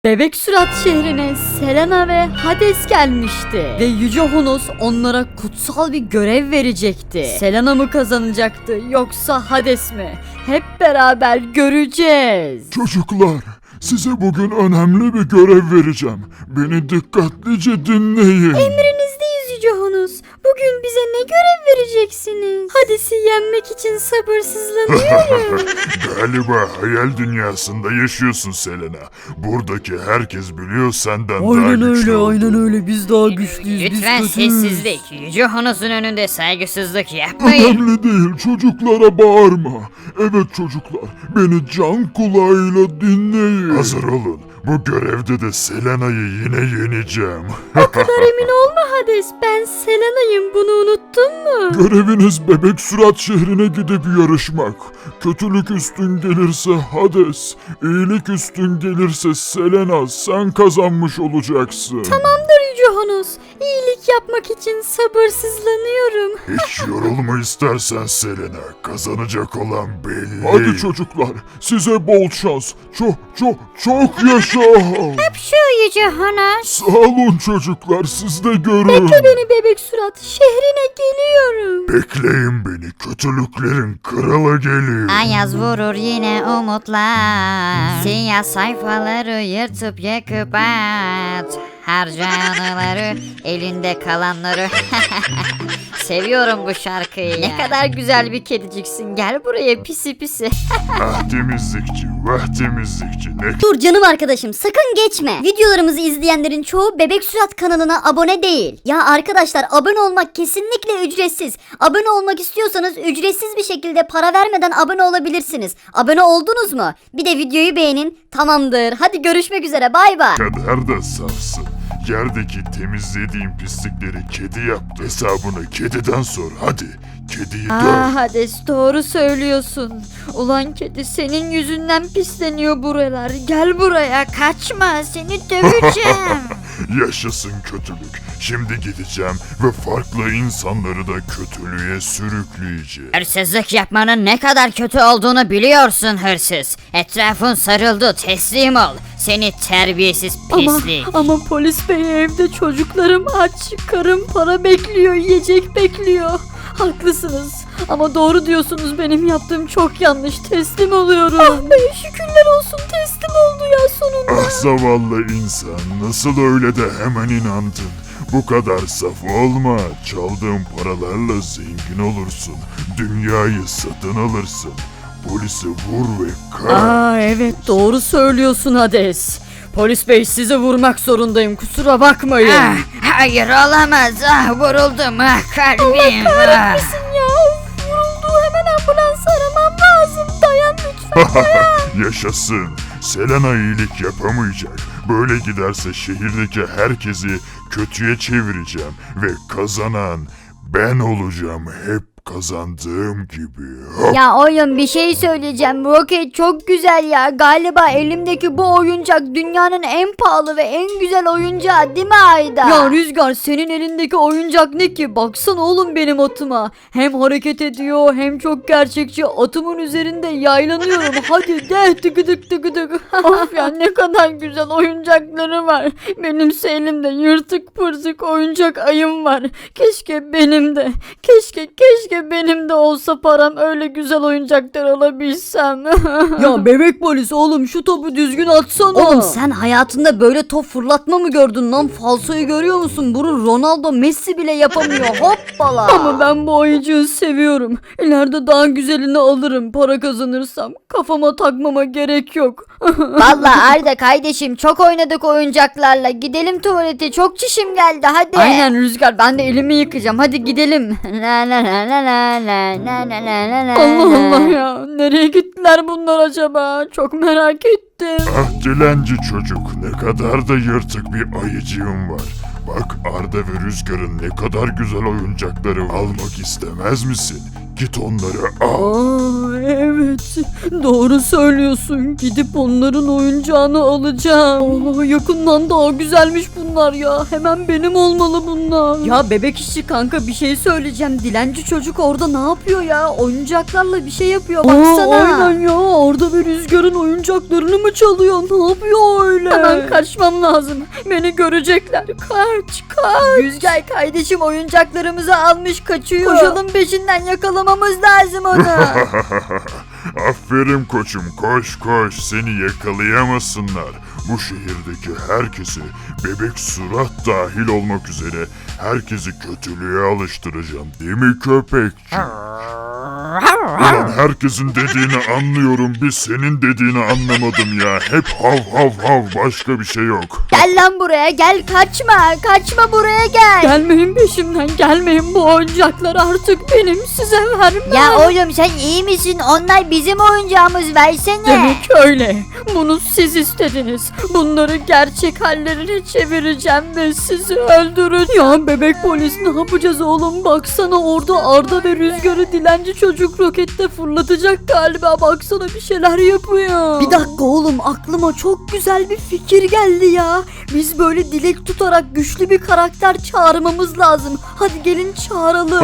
Bebek Sürat şehrine Selena ve Hades gelmişti. Ve Yüce Honos onlara kutsal bir görev verecekti. Selena mı kazanacaktı yoksa Hades mi? Hep beraber göreceğiz. Çocuklar, size bugün önemli bir görev vereceğim. Beni dikkatlice dinleyin. Emrinizdeyiz Yüce Honos. Bugün bize ne görev vereceksiniz? Hades'i yenmek için sabırsızlanıyorum. Galiba hayal dünyasında yaşıyorsun Selena. Buradaki herkes biliyor senden daha Aynen güçlü öyle, olduğunu. aynen öyle. Biz daha güçlüyüz. Lütfen biz kötüyüz. sessizlik. Yüce Honos'un önünde saygısızlık yapmayın. Önemli değil, çocuklara bağırma. Evet çocuklar, beni can kulağıyla dinleyin. Hazır olun, bu görevde de Selena'yı yine yeneceğim. O kadar emin olma Hades. Ben Selena'yım. Bunu unuttun mu? Göreviniz Bebek Sürat şehrine gidip yarışmak. Kötülük üstün gelirse Hades, iyilik üstün gelirse Selena, sen kazanmış olacaksın. Tamamdır Yüce Honos. İyilik yapmak için sabırsızlanıyorum. Hiç yorulma istersen Selena, kazanacak olan belli. Hadi çocuklar, size bol şans. Çok yaşa. Şu Yüce Honos. Sağ olun çocuklar, siz de görün. Bekle beni Bebek Sürat. Şehrine geliyorum. Bekleyin beni, kötülüklerin kralı geliyor. Ayaz vurur yine umutlar. Siyah sayfaları yırtıp yakıp at. Harca anıları, elinde kalanları. Seviyorum bu şarkıyı ya. Ne kadar güzel bir kediciksin. Gel buraya pisi pisi. Ah temizlikçi, vah temizlikçi. Ne Dur canım arkadaşım, sakın geçme. Videolarımızı izleyenlerin çoğu Bebek Sürat kanalına abone değil. Ya arkadaşlar, abone olmak kesinlikle ücretsiz. Abone olmak istiyorsanız ücretsiz bir şekilde para vermeden abone olabilirsiniz. Abone oldunuz mu? Bir de videoyu beğenin. Tamamdır. Hadi görüşmek üzere. Bay bay. kadar da safsın. Yerdeki temizlediğin pislikleri kedi yaptı. Hesabını kediden sor hadi. Kediyi döv. Hades doğru söylüyorsun. Ulan kedi senin yüzünden pisleniyor buralar. Gel buraya kaçma seni döveceğim. Yaşasın kötülük. Şimdi gideceğim ve farklı insanları da kötülüğe sürükleyeceğim. Hırsızlık yapmanın ne kadar kötü olduğunu biliyorsun hırsız. Etrafın sarıldı, teslim ol. Seni terbiyesiz pislik. Ama polis bey, evde çocuklarım aç. Karım para bekliyor, yiyecek bekliyor. Haklısınız. Ama doğru diyorsunuz, benim yaptığım çok yanlış. Teslim oluyorum. Ah be, şükürler olsun, teslim oldu ya sonunda. Ah zavallı insan, nasıl öyle de hemen inandın? Bu kadar saf olma. Çaldığın paralarla zengin olursun. Dünyayı satın alırsın. Polisi vur ve kar. Evet doğru söylüyorsun Hades. Polis bey, sizi vurmak zorundayım, kusura bakmayın. Hayır olamaz. Vuruldum kalbim. Ya vuruldu, hemen ambulans aramam lazım. Dayan lütfen. Yaşasın. Selena iyilik yapamayacak. Böyle giderse şehirdeki herkesi kötüye çevireceğim ve kazanan ben olacağım, hep kazandığım gibi. Ya oğlum, bir şey söyleyeceğim. Roket çok güzel ya. Galiba elimdeki bu oyuncak dünyanın en pahalı ve en güzel oyuncağı, değil mi Ayda? Ya Rüzgar, senin elindeki oyuncak ne ki? Baksana oğlum benim atıma. Hem hareket ediyor hem çok gerçekçi. Atımın üzerinde yaylanıyorum. Hadi de tıkıdık tıkıdık. Of ya, ne kadar güzel oyuncakları var. Benimse elimde yırtık pırtık oyuncak ayım var. Keşke benim de. Keşke benim de olsa param, öyle güzel oyuncaklar alabilsem. Ya bebek polis, oğlum şu topu düzgün atsana. Oğlum sen hayatında böyle top fırlatma mı gördün lan? Falsoyu görüyor musun? Bunu Ronaldo, Messi bile yapamıyor. Hoppala. Ama ben bu ayıcığı seviyorum. İleride daha güzelini alırım para kazanırsam. Kafama takmama gerek yok. Vallahi Arda kardeşim, çok oynadık oyuncaklarla. Gidelim tuvalete, çok çişim geldi, hadi. Aynen Rüzgar, ben de elimi yıkayacağım. Hadi gidelim. Allah Allah ya. Nereye gittiler bunlar acaba? Çok merak ettim. Ah dilenci çocuk, ne kadar da yırtık bir ayıcığım var. Bak Arda ve Rüzgar'ın ne kadar güzel oyuncakları var. Almak istemez misin? Git onları al. Evet, doğru söylüyorsun. Gidip onların oyuncağını alacağım. Yakından daha güzelmiş bunlar ya. Hemen benim olmalı bunlar. Ya bebek işçi kanka, bir şey söyleyeceğim. Dilenci çocuk orada ne yapıyor ya? Oyuncaklarla bir şey yapıyor, baksana. Aynen ya, orada bir Rüzgar'ın oyuncaklarını mı çalıyor? Ne yapıyor öyle? Hemen kaçmam lazım. Beni görecekler. Kaç. Rüzgar kardeşim oyuncaklarımızı almış kaçıyor. Koşalım peşinden, yakalamamız lazım onu. Aferin koçum, koş seni yakalayamasınlar. Bu şehirdeki herkesi, bebek surat dahil olmak üzere herkesi kötülüğe alıştıracağım, değil mi köpekçi? Ulan herkesin dediğini anlıyorum, bir senin dediğini anlamadım ya. Hep hav başka bir şey yok. Gel lan buraya, gel, kaçma buraya gel. Gelmeyin peşimden, gelmeyin, bu oyuncaklar artık benim, size vermem. Ya oğlum sen iyi misin? Onlar bizim oyuncağımız, versene. Demek öyle. Bunu siz istediniz. Bunları gerçek hallerine çevireceğim ve sizi öldürün. Ya bebek polis, ne yapacağız oğlum? Baksana orada Arda ve Rüzgar'ı dilenci çocuk rokette fırlatacak galiba. Baksana bir şeyler yapıyor. Bir dakika oğlum, aklıma çok güzel bir fikir geldi ya. Biz böyle dilek tutarak güçlü bir karakter çağırmamız lazım. Hadi gelin çağıralım.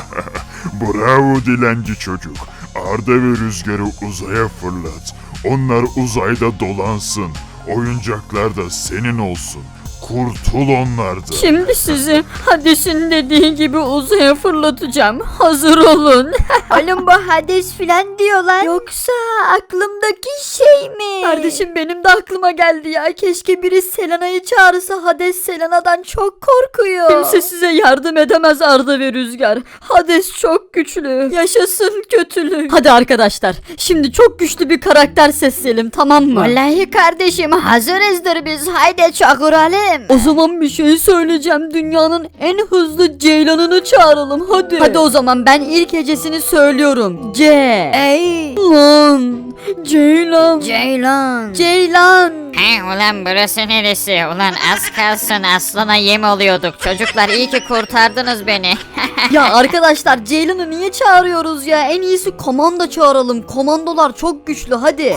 Bravo dilenci çocuk. Arda ve Rüzgar'ı uzaya fırlat. Onlar uzayda dolansın. Oyuncaklar da senin olsun. Kurtul onlardan. Şimdi sizi Hades'in dediği gibi uzaya fırlatacağım. Hazır olun. Oğlum bu Hades filan diyorlar. Yoksa aklımdaki şey mi? Kardeşim benim de aklıma geldi ya. Keşke biri Selena'yı çağırsa. Hades Selena'dan çok korkuyor. Kimse size yardım edemez Arda ve Rüzgar. Hades çok güçlü. Yaşasın kötülük. Hadi arkadaşlar. Şimdi çok güçlü bir karakter sesleyelim, tamam mı? Vallahi kardeşim hazırızdır biz. Haydi çağıralım. O zaman bir şey söyleyeceğim. Dünyanın en hızlı ceylanını çağıralım hadi. Hadi o zaman ben ilk hecesini söylüyorum. C. Ey. Lan. Ceylan. Ceylan. He ulan burası neresi? Ulan az kalsın aslana yem oluyorduk. Çocuklar iyi ki kurtardınız beni. Ya arkadaşlar, Ceylan'ı niye çağırıyoruz ya? En iyisi komando çağıralım. Komandolar çok güçlü, hadi.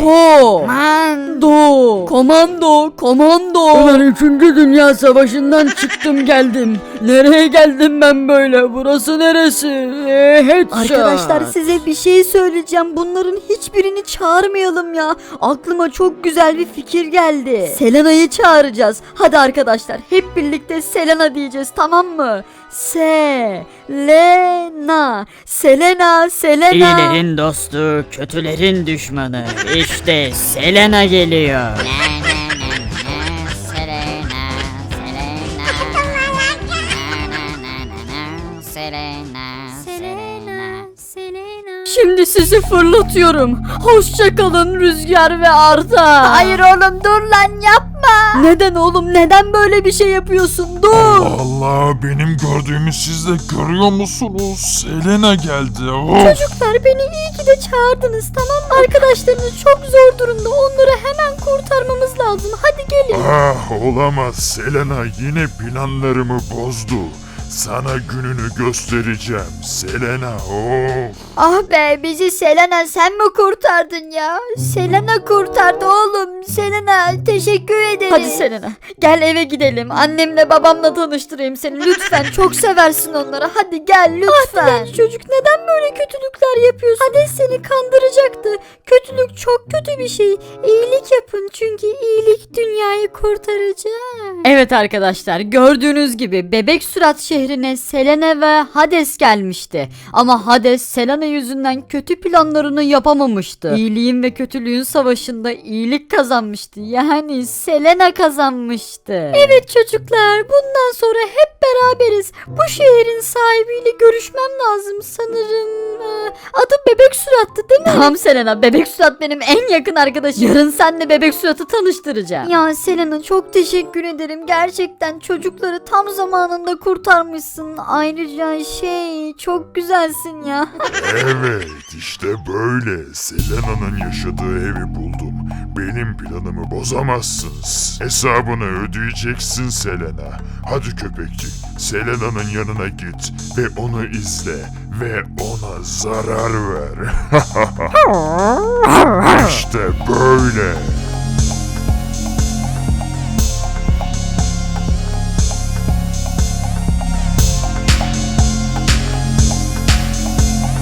Komando. Ulan 3. Dünya Savaşı'ndan çıktım geldim. Nereye geldim ben böyle? Burası neresi? Arkadaşlar size bir şey söyleyeceğim. Bunların hiçbirini çağırmayalım ya. Aklıma çok güzel bir fikir geldi. Selena'yı çağıracağız. Hadi arkadaşlar hep birlikte Selena diyeceğiz, tamam mı? Selena. İyilerin dostu, kötülerin düşmanı. İşte Selena geliyor. Şimdi sizi fırlatıyorum. Hoşça kalın Rüzgar ve Arda. Hayır oğlum dur lan, yapma. Neden oğlum? Neden böyle bir şey yapıyorsun? Dur. Allah, benim gördüğümü siz de görüyor musunuz? Selena geldi. Çocuklar beni iyi ki de çağırdınız, tamam mı? Arkadaşlarınız çok zor durumda. Onları hemen kurtarmamız lazım. Hadi gelin. Olamaz. Selena yine planlarımı bozdu. Sana gününü göstereceğim Selena. Ah be, bizi Selena sen mi kurtardın ya? Selena kurtardı oğlum. Selena teşekkür ederim. Hadi Selena gel eve gidelim. Annemle babamla tanıştırayım seni. Lütfen, çok seversin onları. Hadi gel lütfen. Çocuk neden böyle kötülükler yapıyorsun? Hades seni kandıracaktı. Kötülük çok kötü bir şey. İyilik yapın çünkü iyilik dünyayı kurtaracak. Evet arkadaşlar, gördüğünüz gibi Bebek Sürat şehrine Selena ve Hades gelmişti. Ama Hades Selena yüzünden kötü planlarını yapamamıştı. İyiliğin ve kötülüğün savaşında iyilik kazanmıştı. Yani Selena kazanmıştı. Evet çocuklar, bundan sonra hep beraberiz. Bu şehrin sahibiyle görüşmem lazım sanırım. Adı Bebek Sürat'tı değil mi? Tamam Selena, Bebek Sürat benim en yakın arkadaşım. Yarın seninle Bebek Sürat'ı tanıştıracağım. Ya Selena çok teşekkür ederim. Gerçekten çocukları tam zamanında kurtarmışsın. yapmışsın. Ayrıca çok güzelsin ya. Evet, işte böyle. Selena'nın yaşadığı evi buldum. Benim planımı bozamazsınız. Hesabını ödeyeceksin Selena. Hadi köpekçik, Selena'nın yanına git ve onu izle ve ona zarar ver. İşte böyle.